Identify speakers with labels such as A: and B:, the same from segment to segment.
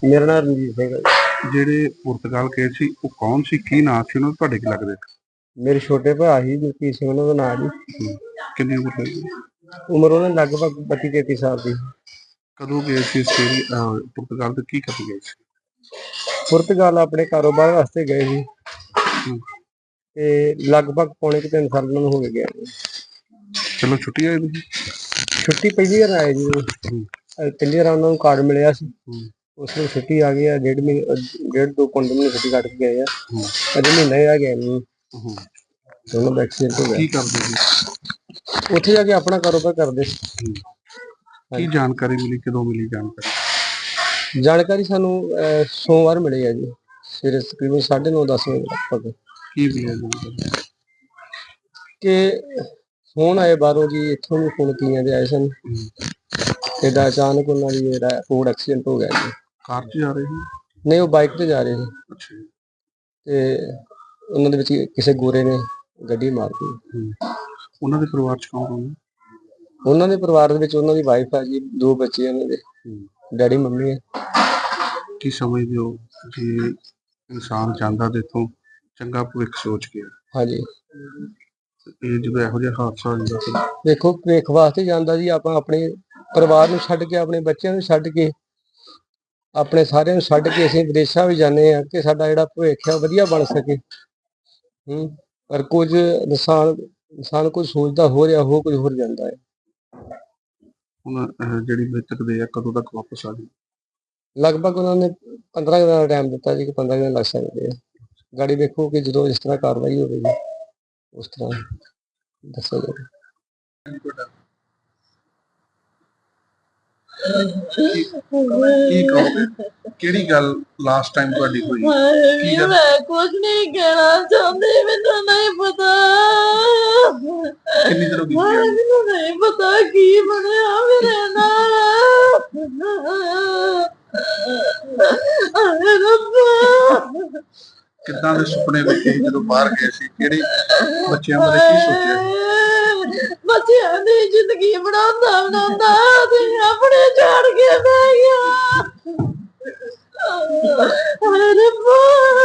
A: ਮੇਰਾ ਨਾਮ ਰਣਜੀਤ ਸਿੰਘ ਹੈ ਜੀ।
B: ਜਿਹੜੇ ਪੁਰਤਗਾਲ ਗਏ ਸੀ ਉਹ ਕੌਣ ਸੀ, ਕੀ ਨਾਂ ਸੀ ਉਹਨਾਂ ਦਾ, ਤੁਹਾਡੇ ਕੀ ਲੱਗਦੇ?
A: ਮੇਰੇ ਛੋਟੇ ਭਰਾ ਸੀ ਜਗਦੀਪ ਸਿੰਘ, ਉਹਨਾਂ ਦਾ ਨਾਂ ਜੀ।
B: ਕਿੰਨੀ ਉਮਰ ਹੋਈ?
A: ਉਮਰ ਉਹਨਾਂ ਦੀ ਲਗਭਗ 32-33 ਸਾਲ ਦੀ।
B: ਕਦੋਂ ਗਏ ਸੀ ਪੁਰਤਗਾਲ ਤੇ ਕੀ ਕਰਨ ਗਏ ਸੀ?
A: ਪੁਰਤਗਾਲ ਆਪਣੇ ਕਾਰੋਬਾਰ ਵਾਸਤੇ ਗਏ ਸੀ ਤੇ ਲਗਭਗ ਪੌਣੇ 3 ਸਾਲ ਉਹਨਾਂ ਨੂੰ ਹੋ ਗਏ ਨੇ।
B: ਚਲੋ ਛੁੱਟੀ ਆਏ ਤੁਸੀਂ?
A: ਛੁੱਟੀ ਪਹਿਲੀ ਵਾਰ ਆਏ ਜੀ। ਪਹਿਲੀ ਵਾਰ ਉਹਨਾਂ ਨੂੰ ਕਾਰਡ ਮਿਲਿਆ ਸੀ, ਉਸ ਨੂੰ ਛੁੱਟੀ ਆ ਗਈ ਆ। 1.5 ਮਹੀਨੇ 1.5-2 ਮਹੀਨੇ ਛੁੱਟੀ ਕੱਟ ਕੇ ਗਏ ਆ। ਅਜੇ ਮਹੀਨਾ ਹੀ ਆ ਗਿਆ ਨਹੀਂ। ਉਹਨਾਂ ਦਾ ਐਕਸੀਡੈਂਟ ਹੋ ਗਿਆ।
B: ਕੀ ਕਰਦੇ ਸੀ
A: ਉੱਥੇ ਜਾ ਕੇ? ਆਪਣਾ ਕਾਰੋਬਾਰ ਕਰਦੇ।
B: ਕੀ ਜਾਣਕਾਰੀ ਮਿਲੀ, ਕਦੋਂ ਮਿਲੀ ਜਾਣਕਾਰੀ?
A: ਜਾਣਕਾਰੀ ਸਾਨੂੰ ਸੋਮਵਾਰ ਮਿਲੀ ਹੈ ਜੀ, ਸਵੇਰੇ ਤਕਰੀਬਨ 9:30-10 ਵਜੇ ਲਗਭਗ।
B: ਕੀ ਮਿਲਿਆ ਜਾਣਕਾਰੀ?
A: ਕਿ ਫੋਨ ਆਏ ਬਾਹਰੋਂ ਜੀ, ਇੱਥੋਂ ਵੀ ਫੋਨ ਕੀਆਂ ਦੇ ਆਏ ਸਨ। ਏਦਾਂ ਅਚਾਨਕ ਉਹਨਾਂ ਦੀ ਜਿਹੜਾ ਰੋਡ ਐਕਸੀਡੈਂਟ ਹੋ ਗਿਆ ਜੀ।
B: ਕਾਰ 'ਚ ਜਾ ਰਹੇ ਸੀ?
A: ਨਹੀਂ, ਉਹ ਬਾਈਕ ਤੇ ਜਾ ਰਹੇ ਸੀ।
B: ਅੱਛਾ।
A: ਤੇ ਉਹਨਾਂ ਦੇ ਵਿੱਚ ਕਿਸੇ ਗੋਰੇ ਨੇ ਗੱਡੀ ਮਾਰਤੀ।
B: ਉਹਨਾਂ ਦੇ ਪਰਿਵਾਰ 'ਚ ਕੌਣ ਕੌਣ?
A: ਉਹਨਾਂ ਦੇ ਪਰਿਵਾਰ ਦੇ ਵਿੱਚ ਉਹਨਾਂ ਦੀ ਵਾਈਫ ਹੈ ਜੀ, 2 ਬੱਚੇ ਉਹਨਾਂ ਦੇ, ਡੈਡੀ ਮੰਮੀ ਹੈ।
B: ਕੀ ਸਮਝਦੇ ਹੋ ਜੇ ਇਨਸਾਨ ਜਾਂਦਾ ਤੇ ਇੱਥੋਂ ਚੰਗਾ ਭਵਿੱਖ ਸੋਚ ਕੇ,
A: ਹਾਂਜੀ,
B: ਇਹ ਜਦੋਂ ਇਹੋ ਜਿਹਾ ਹਾਦਸਾ ਹੋ ਜਾਂਦਾ?
A: ਦੇਖੋ, ਭਵਿੱਖ ਵਾਸਤੇ ਜਾਂਦਾ ਜੀ। ਆਪਾਂ ਆਪਣੇ ਪਰਿਵਾਰ ਨੂੰ ਛੱਡ ਕੇ, ਆਪਣੇ ਬੱਚਿਆਂ ਨੂੰ ਛੱਡ ਕੇ, ਆਪਣੇ ਸਾਰਿਆਂ ਨੂੰ ਛੱਡ ਕੇ ਅਸੀਂ ਵਿਦੇਸ਼ਾਂ ਵੀ ਜਾਂਦੇ ਹਾਂ ਕਿ ਸਾਡਾ ਜਿਹੜਾ ਭਵਿੱਖ ਹੈ ਵਧੀਆ ਬਣ ਸਕੇ। ਪਰ ਕੁਝ ਇਨਸਾਨ ਕੁਝ ਸੋਚਦਾ ਹੋ ਰਿਹਾ, ਹੋ ਕੁਝ ਹੋਰ ਜਾਂਦਾ ਹੈ।
B: ਹੁਣ ਜਿਹੜੀ ਮ੍ਰਿਤਕ ਦੇ ਆ, ਕਦੋਂ ਤੱਕ ਵਾਪਸ ਆ ਜਾਊ?
A: ਲਗਭਗ ਉਹਨਾਂ ਨੇ 15 ਦਿਨਾਂ ਦਾ ਟਾਈਮ ਦਿੱਤਾ ਜੀ, ਕਿ 15 ਦਿਨ ਲੱਗ ਸਕਦੇ ਆ। ਗਾੜੀ ਵੇਖੋ ਕਿ ਜਦੋਂ ਇਸ ਤਰ੍ਹਾਂ ਕਾਰਵਾਈ ਹੋਵੇਗੀ ਉਸ ਤਰ੍ਹਾਂ ਦੱਸਿਆ ਜਾਵੇ।
B: ਕੀ ਕਹੋਗੇ? ਕਿਹੜੀ ਗੱਲ ਲਾਸਟ ਟਾਈਮ ਤੁਹਾਡੀ ਹੋਈ? ਕੀ ਗੱਲ?
C: ਮੈਂ ਕੁਝ ਨਹੀਂ ਕਹਿਣਾ ਚਾਹੁੰਦੀ, ਮੈਨੂੰ ਨਹੀਂ ਪਤਾ।
B: ਕਿੰਨੀ ਦੇਰ ਹੋ ਗਈ?
C: ਮੈਨੂੰ ਨਹੀਂ ਪਤਾ ਕੀ ਬਣਿਆ ਮੇਰੇ ਨਾਲ। ਹਾਏ ਰੱਬਾ,
B: ਕਿੱਦਾਂ ਦੇ ਸੁਪਨੇ ਵੇਖੇ ਜਦੋਂ ਬਾਹਰ ਗਏ ਸੀ? ਕਿਹੜੇ ਬੱਚਿਆਂ ਬਾਰੇ ਕੀ ਸੋਚਿਆ?
C: ਬੱਚਿਆਂ ਦੀ ਜ਼ਿੰਦਗੀ ਬਣਾਉਂਦਾ ਤੇ ਆਪਣੇ ਛੱਡ ਕੇ ਬਹਿ ਗਿਆ। ਹਾਏ ਰੱਬਾ,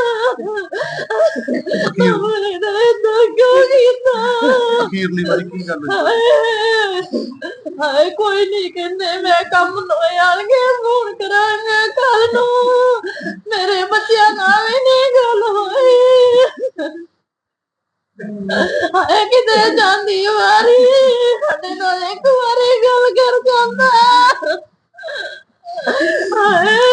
B: ਅਖੀਰਲੀ ਵਾਰੀ ਕੀ ਗੱਲ
C: ਹੋਈ? ਹਾਏ ਕੋਈ ਨਹੀਂ ਕਹਿੰਦੇ, ਮੈਂ ਕੰਮ ਤੋਂ ਆਣਗੇ ਫੋਨ ਕਰਾਂਗਾ ਕੱਲ ਨੂੰ। ਮੇਰੇ ਬੱਚਿਆਂ ਨਾਲ ਵੀ ਨਹੀਂ ਗੱਲ ਹੋਈ। ਹਾਏ ਕਿਤੇ ਜਾਂਦੀ ਵਾਰੀ ਸਾਡੇ ਨਾਲ ਇੱਕ ਵਾਰੀ ਗੱਲ ਕਰ ਜਾਂਦਾ। ਹਾਏ